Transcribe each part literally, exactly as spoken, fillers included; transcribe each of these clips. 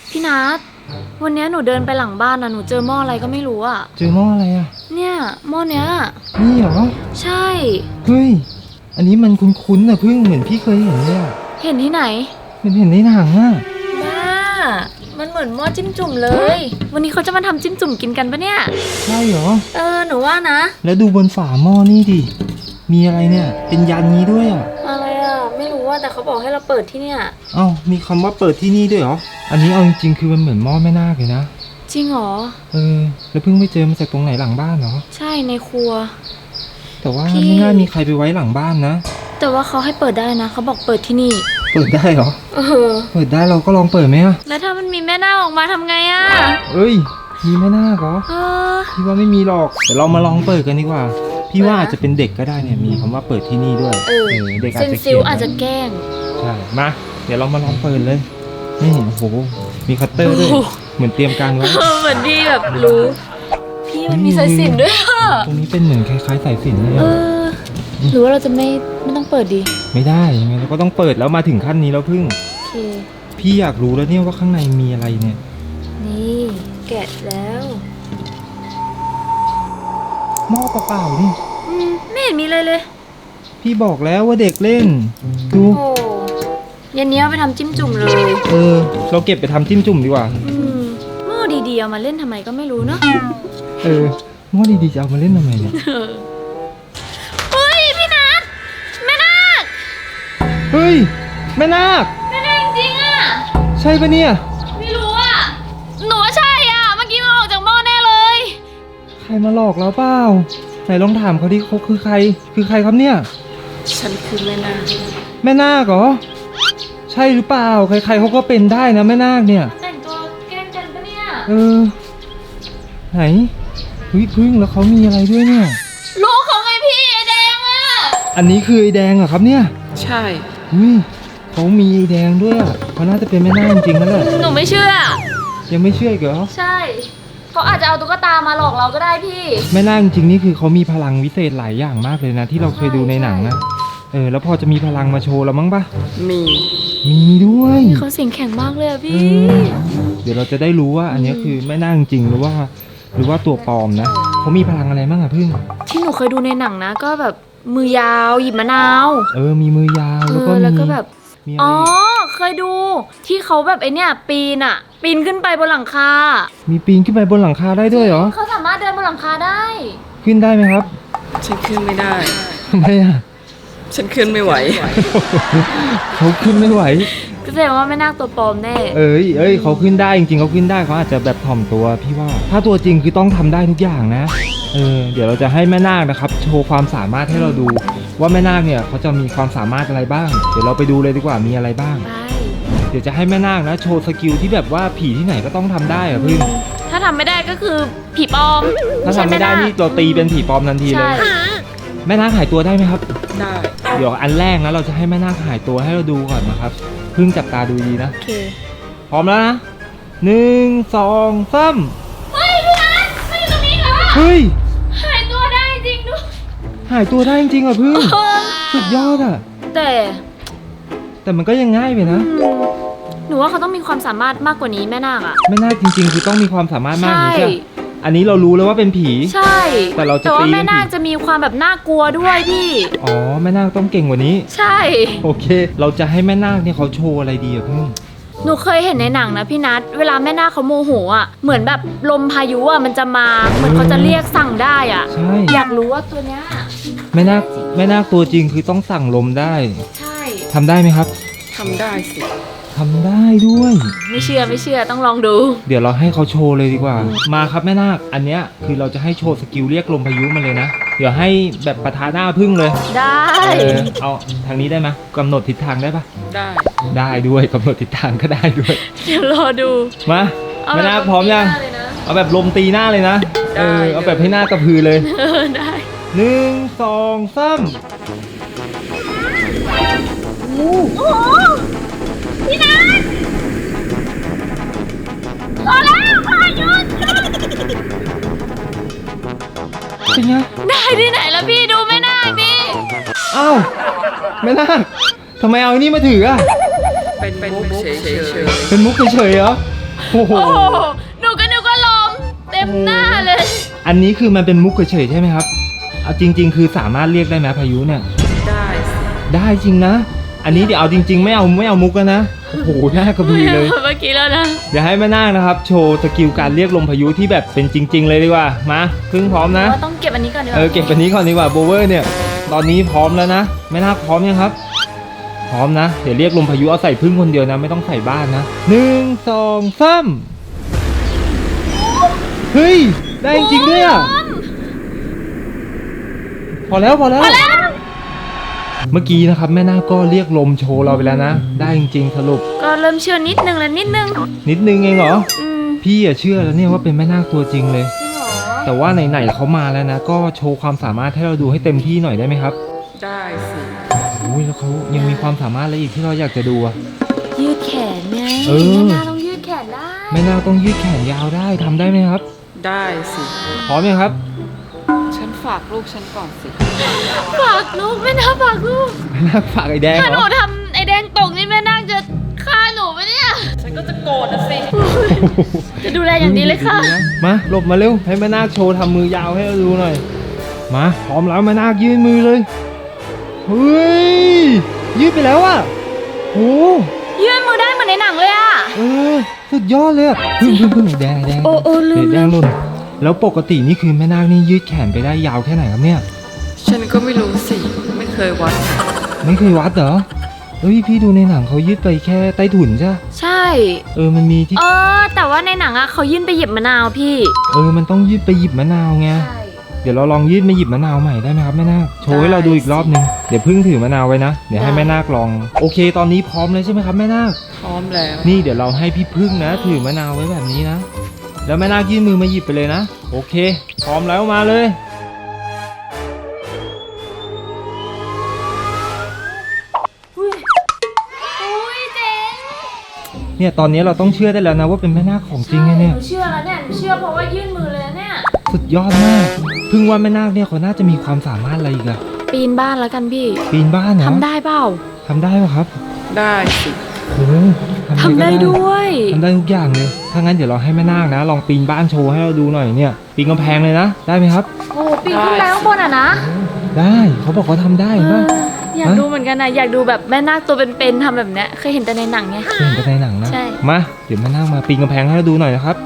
พี่นัทวันนี้หนูเดินไปหลังบ้านนะหนูเจอหม้ออะไรก็ไม่รู้อะเจอหม้ออะไรอ่ะเนี่ยหม้อเนี้ยนี่เหรอใช่เฮ้ยอันนี้มันคุ้นๆนะพึ่งเหมือนพี่เคยเห็นเลยอ่ะเห็นที่ไหนเหมือนเห็นในหนังอ่ะบ้ามันเหมือนหม้อจิ้มจุ่มเลย วันนี้เขาจะมาทำจิ้มจุ่มกินกันปะเนี่ยใช่เหรอเออหนูว่านะแล้วดูบนฝาหม้อนี่ดิมีอะไรเนี่ยเป็นยันนี้ด้วยอ่ะอะไรอ่ะไม่รู้ว่าแต่เขาบอกให้เราเปิดที่เนี่ยเอ้ามีคำว่าเปิดที่นี่ด้วยเหรออันนี้เอาจริงๆคือมันเหมือนหม้อแม่นาคเลยนะจริงเหรอเออแล้วเพิ่งไปเจอมาจากตรงไหนหลังบ้านเหรอใช่ในครัวแต่ว่าไม่น่ามีใครไปไว้หลังบ้านนะแต่ว่าเขาให้เปิดได้นะเขาบอกเปิดที่นี่เปิดได้เหรอเออเปิดได้เราก็ลองเปิดไหมอะแล้วถ้ามันมีแม่นาคออกมาทำไงอะเอ้ยมีแม่นาคเหรอเออพี่ว่าไม่มีหรอกเดี๋ยวเรามาลองเปิดกันดีกว่าพี่ว่าอาจจะเป็นเด็กก็ได้เนี่ยมีคำว่าเปิดที่นี่ด้วยเออเด็กอาจจะเขียนอาจจะแกล้งใช่มาเดี๋ยวเรามาลองเปิดเลยนี่โอ้โหมีคัตเตอร์ด้วยเหมือนเตรียมการไว้เหมือนพี่แบบรู้พี่มันมีสายสิญจน์ด้วยอะตรงนี้เป็นเหมือนคล้ายๆสายสิญจน์เลยเออหรือว่าเราจะไม่ไม่ต้องเปิดดีไม่ได้ยังไงเราก็ต้องเปิดแล้วมาถึงขั้นนี้แล้วพึ่งโอเคพี่อยากรู้แล้วเนี่ยว่าข้างในมีอะไรเนี่ยนี่แกะแล้วหม้อเปล่าๆนี่อืมไม่เห็นมีเลยเลยพี่บอกแล้วว่าเด็กเล่นดูโอ้ยันนี้เอาไปทำจิ้มจุ่มเลยเออเราเก็บไปทำจิ้มจุ่มดีกว่าอืมหม้อดีๆเอามาเล่นทำไมก็ไม่รู้เนาะเออหม้อดีๆจะเอามาเล่นทำไมเนี่ยเฮ้ยพี่นัทแม่นาคเฮ้ยแม่นาคแม่นาคจริงๆอ่ะใช่ปะเนี่ยไม่รู้อ่ะหนูว่าใช่อ่ะเมื่อกี้มันออกจากหม้อแน่เลยใครมาหลอกเราเปล่าไหนลองถามเขาดิเขาคือใครคือใครครับเนี่ยฉันคือแม่นาคแม่นาคเหรอใช่หรือเปล่าใครๆเขาก็เป็นได้นะแม่นาคเนี่ยแต่งตัวแกล้งกันปะเนี่ยเออไหนเฮ้ยพึ่งแล้วเขามีอะไรด้วยเนี่ยลูกเขาไงพี่ไอแดงอ่ะอันนี้คือไอแดงเหรอครับเนี่ยใช่อุ้ยเขามีไอแดงด้วยอ่ะเขาน่าจะเป็นแม่นาคจริงๆนั่นแหละหนูไม่เชื่อยังไม่เชื่ออีกเหรอใช่เขาอาจจะเอาตุ๊กตามาหลอกเราก็ได้พี่แม่นาคจริงๆนี่คือเขามีพลังวิเศษหลายอย่างมากเลยนะที่เราเคยดูในหนังนะเออแล้วพอจะมีพลังมาโชว์เรามั้งปะมีมีด้วยเขาเสียงแข็งมากเลยอะพี่เดี๋ยวเราจะได้รู้ว่าอันนี้คือแม่นาคจริงหรือว่าหรือว่าตัวปลอมนะเขามีพลังอะไรบ้างอะพึ่งที่หนูเคยดูในหนังนะก็แบบมือยาวหยิบมะนาวเออมีมือยาวแล้วก็แล้วก็แบบอ๋อเคยดูที่เขาแบบไอเนี้ยปีนอะปีนขึ้นไปบนหลังคามีปีนขึ้นไปบนหลังคาได้ด้วยเหรอเขาสามารถเดินบนหลังคาได้ขึ้นได้ไหมครับฉันขึ้นไม่ได้ทำไมอะฉันขึ้นไม่ไหวเขาขึ้นไม่ไหวก็แสดงว่าไม่น่าตัวปลอมแน่เอ้ยเอ้ยเขาขึ้นได้จริงๆเขาขึ้นได้เขาอาจจะแบบถ่อมตัวพี่ว่าถ้าตัวจริงคือต้องทำได้ทุกอย่างนะเออเดี๋ยวเราจะให้แม่นาคนะครับโชว์ความสามารถให้เราดูว่าแม่นาคเนี่ยเขาจะมีความสามารถอะไรบ้างเดี๋ยวเราไปดูเลยดีกว่ามีอะไรบ้างเดี๋ยวจะให้แม่นาคนะโชว์สกิลที่แบบว่าผีที่ไหนก็ต้องทำได้อะพึ่งถ้าทำไม่ได้ก็คือผีปลอมถ้าทำไม่ได้นี่เราตีเป็นผีปลอมทันทีเลยแม่นาคหายตัวได้ไหมครับได้เดี๋ยวอันแรกนะเราจะให้แม่นาคหายตัวให้เราดูก่อนนะครับพึ่งจับตาดูดีนะโอเคพร้อมแล้วนะหนึ่งสองสามเฮ้ยพี่นัทไม่อยู่ตรงนี้เหรอเฮ้ยหายตัวได้จริงด้วยหายตัวได้จริงๆอ่ะพึ่งสุดยอดอ่ะแต่แต่มันก็ยังง่ายไปนะหนูว่าเขาต้องมีความสามารถมากกว่านี้แม่นาคอ่ะแม่นาคจริงๆคือต้องมีความสามารถมากนี่ใช่อันนี้เรารู้แล้วว่าเป็นผีใช่แต่เราจะแต่ว่าแม่นาคจะมีความแบบน่ากลัวด้วยพี่อ๋อแม่นาคต้องเก่งกว่านี้ใช่โอเคเราจะให้แม่นาคเนี่ยเขาโชว์อะไรดีอะพึ่งหนูเคยเห็นในหนังนะพี่นัทเวลาแม่นาคเขาโมโหอ่ะเหมือนแบบลมพายุอ่ะมันจะมาเหมือนเขาจะเรียกสั่งได้อ่ะใช่อยากรู้ว่าตัวเนี้ยแม่นาคแม่นาคตัวจริงคือต้องสั่งลมได้ใช่ทำได้ไหมครับทำได้สิทำได้ด้วยไม่เชื่อไม่เชื่อต้องลองดูเดี๋ยวเราให้เขาโชว์เลยดีกว่ามาครับแม่นาคอันเนี้ยคือเราจะให้โชว์สกิลเรียกลมพายุมาเลยนะเดี๋ยวให้แบบปะทะหน้าพึ่งเลยได้เอาทางนี้ได้ไหมกำหนดทิศทางได้ปะได้ได้ด้วยกำหนดทิศทางก็ได้ด้วยเดี๋ยวรอดูมาแม่นาคพร้อมยังเอาแบบลมตีหน้าเลยนะเออเอาแบบให้หน้ากระพือเลยได้หนึ่งสองสามโอ้โหพี่นัทรอแล้วพายุเป็นไงได้ที่ไหนแล้วพี่ดูแม่นาคดิอ้าวแม่นาคทำไมเอาอันนี้มาถืออ่ะเป็นมุกเฉยๆเป็นมุกเฉยๆเหรอโอ้โหโอ้โหหนูก็นึกว่าลมเต็มหน้าเลยอันนี้คือมันเป็นมุกเฉยๆใช่ไหมครับเอาจริง ๆ คือสามารถเรียกได้ไหมพายุเนี่ยได้สิได้จริงนะ อันนี้เดี๋ยวเอาจริง ๆ ไม่เอาไม่เอามุกแล้วนะ โอ้โหหน้ากระบือเลยเมื่อกี้แล้วนะเดี๋ยวให้แม่นาคนะครับ โชว์สกิลการเรียกลมพายุที่แบบเป็นจริง ๆ เลยดีกว่า มาพึ่งพร้อมนะว่าต้องเก็บอันนี้ก่อนดีกว่าเออเก็บอันนี้ก่อนดีกว่าโบเวอร์เนี่ย ตอนนี้พร้อมแล้วนะแม่นาคพร้อมยังครับ พร้อมนะ เดี๋ยวเรียกลมพายุเอาใส่พึ่งคนเดียวนะ ไม่ต้องใส่บ้านนะหนึ่งสองสามเฮ้ย ได้จริงๆด้วยอ่ะ พอแล้วพอแล้วพอแล้วเมื่อกี้นะครับแม่นาคก็เรียกลมโชว์เราไปแล้วนะ ได้จริงๆสรุปก็เริ่มเชื่อนิดนึงแล้วนิดนึงนิดนึงเองเหรออืมพี่อะเชื่อแล้วเนี่ยว่าเป็นแม่นาคตัวจริงเลยจริงเหรอแต่ว่าไหนๆเขามาแล้วนะ ก็โชว์ความสามารถให้เราดูให้เต็มที่หน่อยได้ไหมครับได้สิโอ้ยแล้วเขายังมีความสามารถอะไรอีกที่เราอยากจะดูอะยืดแขนไงเออแม่นาต้องยืดแขนได้แม่นาคต้องยืดแขนยาวได้ทำได้ไหมครับได้สิพร้อมยังครับฉันฝากลูกฉันก่อนสิฝากลูกแม่นาฝากลูกแม่นาคฝากไอ้แดงถ้าหเหรนูอทำไอแดงตกนี่แม่นาจะฆ่าหนูปะเนี่ยฉันก็จะโกรธนะสิจะดูแลอย่างดีเลยค่ะมาหลบมาเร็วให้แม่นาคโชว์ทำมือยาวให้เราดูหน่อยมาพร้อมแล้วแม่นาคยื่นมือเลยเฮ้ยยืดไปแล้วอะโอ้ยื่นมือได้เหมือนในหนังเลยอะเออสุดยอดเลยอะพึ่งพึ่งพึ่งแดงแดงโอ้โอ้ลืมแดงหล่นแล้วปกตินี่คือแม่นาคนี่ยืดแขนไปได้ยาวแค่ไหนครับเนี่ยฉันก็ไม่รู้สิ ไม่เคยวัดไม่เคยวัดเหรอเอ้ยพี่ดูในหนังเขายืดไปแค่ใต้ถุนใช่ปะใช่เออมันมีที่เออ แต่ว่าในหนังอะเขายื่นไปหยิบมะนาวพี่เออมันต้องยืดไปหยิบมะนาวไงใช่เดี๋ยวเราลองยืดมาหยิบมะนาวใหม่ได้ไหมครับแม่นาคโชว์ให้เราดูอีกรอบนึงเดี๋ยวพึ่งถือมะนาวไว้นะเดี๋ยวให้แม่นาคลองโอเค ตอนนี้พร้อมเลยใช่ไหมครับแม่นาคพร้อมแล้วนี่เดี๋ยวเราให้พี่พึ่งนะ ถือมะนาวไว้แบบนี้นะแล้วแม่นาคยื่นมือมาหยิบไปเลยนะโอเค พร้อมแล้วมาเลยอุ้ยอุ้ยเจ๋งเนี่ยตอนนี้เราต้องเชื่อได้แล้วนะว่าเป็นแม่นาคของจริงไงเนี่ยหนูเชื่อแล้วเนี่ยหนูเชื่อเพราะว่ายื่นมือเลยนะเนี่ยสุดยอดมากพึ่งว่าแม่นาคเนี่ยเขาน่าจะมีความสามารถอะไรอีกอะปีนบ้านแล้วกันพี่ปีนบ้านเหรอทำได้เปล่าทำได้ปะครับได้สิโอ้โหทำได้อะรก็ด้วยทำได้ทุกอย่างเลยถ้างั้นเดี๋ยวเราให้แม่นาคนะ ลองปีนบ้านโชว์ให้เราดูหน่อยเนี่ยปีนกำแพงเลยนะได้ไหมครับโอ้ปีนขึ้นไปข้างบนอ่ะนะได้เขาบอกเขาทำได้เอเห็นปะออยากดูเหมือนกันนะอยากดูแบบแม่นาคตัวเป็นๆทำแบบเนี้ยเคยเห็นแต่ในหนังไงเคยเห็นแต่ในหนังนะใช่มาเดี๋ยวแม่นาคมาปีนกำแพงให้เราดูหน่อยนะครับ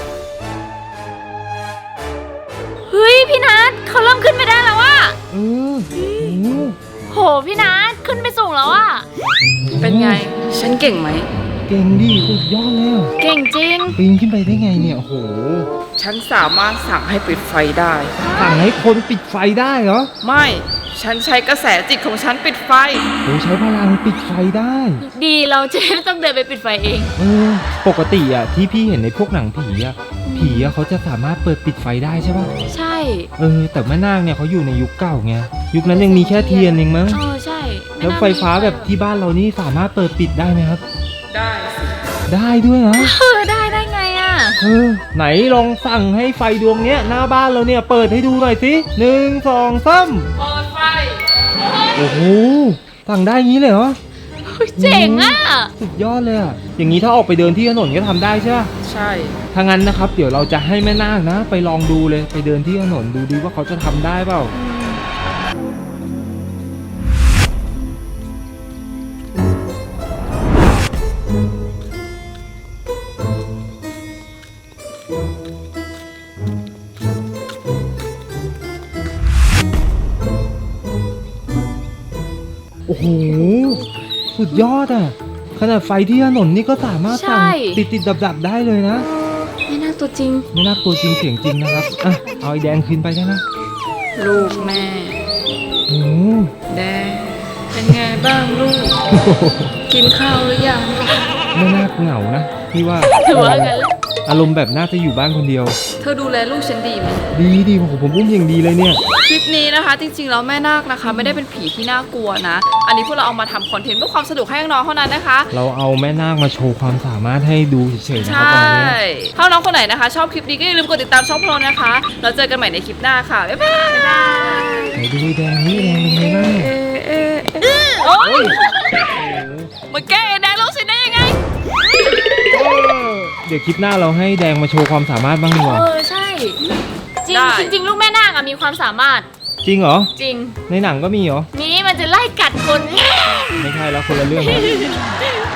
เฮ้ยพี่นัทเขาเริ่มขึ้นไปได้แล้วอะเออโอ้โหโหพี่นัทขึ้นไปสูงแล้วอะเป็นไง ฉันเก่งไหมเก่งดิสุดยอดเลยอะเก่งจริงปีนขึ้นไปได้ไงเนี่ยโอ้โหฉันสามารถสั่งให้ปิดไฟได้สั่งให้คนปิดไฟได้เหรอไม่ ฉันใช้กระแสจิตของฉันปิดไฟโอ้ใช้พลังปิดไฟได้ดีเราจะไม่ต้องเดินไปปิดไฟเองเออปกติอ่ะที่พี่เห็นในพวกหนังผีอ่ะผีอ่ะเขาจะสามารถเปิดปิดไฟได้ใช่ป่ะใช่เออแต่แม่นาคเนี่ยเขาอยู่ในยุคเก่าไงยุคนั้นยังมีแค่เทียนเองมั้งเออใช่ม่แล้วน่ไฟฟ้าแบบที่บ้านเรานี่สามารถเปิดปิดได้ไหมครับได้สิได้ด้วยเหรอเออได้ได้ไงอะเออไหนลองสั่งให้ไฟดวงเนี้ยหน้าบ้านเราเนี่ยเปิดให้ดูหน่อยสิหนึ่งสองสามเปิดไฟโอ้โหสั่งได้งี้เลยเหรอเฮ้ยเจ๋งอะสุดยอดเลยอ่ะอย่างนี้ถ้าออกไปเดินที่ถนนก็ทำได้ใช่ป่ะใช่ถ้างั้นนะครับเดี๋ยวเราจะให้แม่นาคนะ ไปลองดูเลยไปเดินที่ถนนดูดีว่าเขาจะทำได้เปล่าโอ้โหสุดยอดอ่ะขนาดไฟที่ถนนนี่ก็สามารถสั่งติดติดดับดับๆได้เลยนะไม่น่าตัวจริงไม่น่ากลัวจริงเสียงจริงนะครับอ่ะเอาไอ้แดงคืนไปได้นะลูกแม่โอ้โหแดงเป็นไงบ้างลูก กินข้าวหรือยังไม่น่าเหงานะพี่ว่าถือว่างั้นแหละอารมณ์แบบน่าจะอยู่บ้านคนเดียวเธอดูแลลูกฉันดีไหมดีดีโอ้โหผมอุ้มอย่างดีเลยเนี่ยคลิปนี้นะคะ จริงๆแล้วแม่นาคนะคะ ไม่ได้เป็นผีที่น่ากลัวนะ อันนี้พวกเราเอามาทำคอนเทนต์เพื่อความสนุกให้น้องๆเท่านั้นนะคะเราเอาแม่นาคมาโชว์ความสามารถให้ดูเฉยๆนะใชครับตอน่ นี้ถ้าน้องคนไหนนะคะ ชอบคลิปนี้ก็อย่าลืมกดติดตามช่องพวกเรานะคะแล้วเจอกันใหม่ในคลิปหน้าค่ะ บ๊ายบายไหนดูไอ้แดงนี่แดงเป็นไงบ้างเอ๊ะเอ๊ะเอ๊ะโอ๊ยโอ้โหมาแก้แดงลูกฉันได้ยังไงเออเดี๋ยวดี๋ยวคลิปหน้าเราให้แดงมาโชว์ความสามารถบ้างดีกว่าเออใช่จริงได้จริงๆลูกแม่นาคอะมีความสามารถจริงเหรอจริงในหนังก็มีเหรอมีมันจะไล่กัดคนไม่ใช่แล้วคนละเรื่องแล้ว